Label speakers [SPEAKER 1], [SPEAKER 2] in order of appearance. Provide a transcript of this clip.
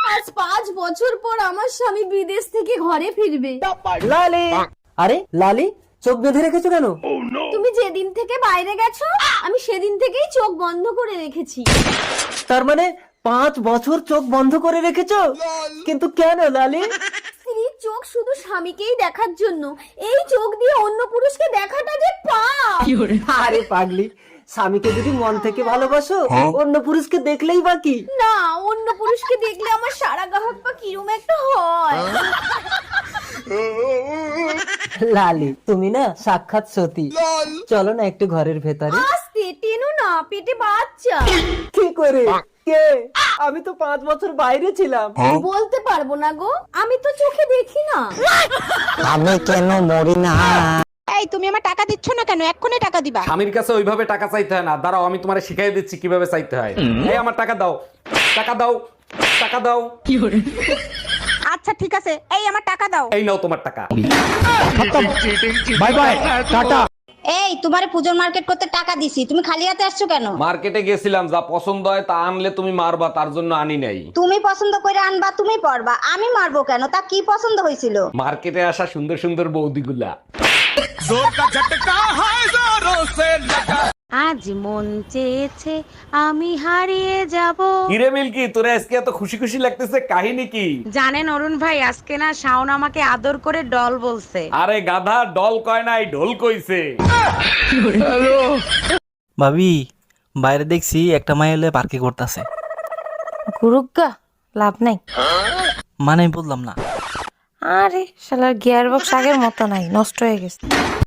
[SPEAKER 1] আজ 5 বছর পর আমার স্বামী বিদেশ থেকে ঘরে ফিরবে।
[SPEAKER 2] লালি, আরে লালি চোখ বেঁধে রেখেছো কেন?
[SPEAKER 1] তুমি যেদিন থেকে বাইরে গেছো আমি সেদিন থেকেই চোখ বন্ধ করে রেখেছি।
[SPEAKER 2] তার মানে 5 বছর চোখ বন্ধ করে রেখেছো? কিন্তু কেন লালি?
[SPEAKER 1] স্ত্রীর চোখ শুধু স্বামীকেই দেখার জন্য, এই চোখ দিয়ে অন্য পুরুষকে দেখাটা যে পাপ।
[SPEAKER 2] আরে পাগলি, স্বামীকে যদি মন থেকে ভালোবাসো অন্য পুরুষকে দেখলেই বাকি।
[SPEAKER 1] না, অন্য পুরুষকে দেখলে আমার সারা গাহক পা কিরম একটা হয়।
[SPEAKER 2] লালি তুমি না সাক্ষাৎ সতী। চলো না একটু ঘরের ভেতরে।
[SPEAKER 1] আস্তে টেনো না, পেটে বাচ্চা।
[SPEAKER 2] কি করে? কে? আমি তো 5 বছর বাইরে ছিলাম।
[SPEAKER 1] বলতে পারবো না গো, আমি তো চোখে দেখি না।
[SPEAKER 3] আমি কেন মরি না?
[SPEAKER 4] এই তুমি আমার টাকা দিচ্ছ না কেন? এক্ষুনি টাকা দিবা।
[SPEAKER 5] স্বামীর কাছে ওইভাবে টাকা চাইতে হয় না, দাঁড়াও আমি তোমারে শিখাই দিচ্ছি কিভাবে চাইতে হয়। এই আমার টাকা দাও, টাকা দাও, টাকা দাও।
[SPEAKER 4] আচ্ছা ঠিক আছে, এই আমার টাকা দাও।
[SPEAKER 5] এই নাও তোমার টাকা।
[SPEAKER 3] Bye bye, tata.
[SPEAKER 6] এই তোমারে পুজোর মার্কেট করতে টাকা দিছি, তুমি খালি হাতে আসছো কেন?
[SPEAKER 5] মার্কেটে গেছিলাম, যা পছন্দ হয় তা আনলে তুমি মারবা, তার জন্য আনি নাই।
[SPEAKER 6] তুমি পছন্দ করে আনবা, তুমি পরবা, আমি মারবো কেন? তা কি পছন্দ হয়েছিল?
[SPEAKER 5] মার্কেটে আসা সুন্দর সুন্দর বৌদিগুলা।
[SPEAKER 4] আজ মন চেয়েছে আমি হারিয়ে যাব।
[SPEAKER 5] হিরে মিল্কি, তোরে আজকে এত খুশি খুশি লাগতেছে, কাহিনী কি?
[SPEAKER 4] জানেন অরুণ ভাই, আজকে না শাওন আমাকে আদর করে ডল বলছে।
[SPEAKER 5] আরে গাধা, ডল কয় নাই, ঢোল কইছে।
[SPEAKER 7] ভাবি, বাইরে দেখছি একটা মাই এলে পার্কে করতেছে।
[SPEAKER 8] গুরুগা লাভ নাই।
[SPEAKER 7] মানে বললাম না।
[SPEAKER 8] আরে শালার গিয়ার বক্স আগের মতো নাই, নষ্ট হয়ে গেছে।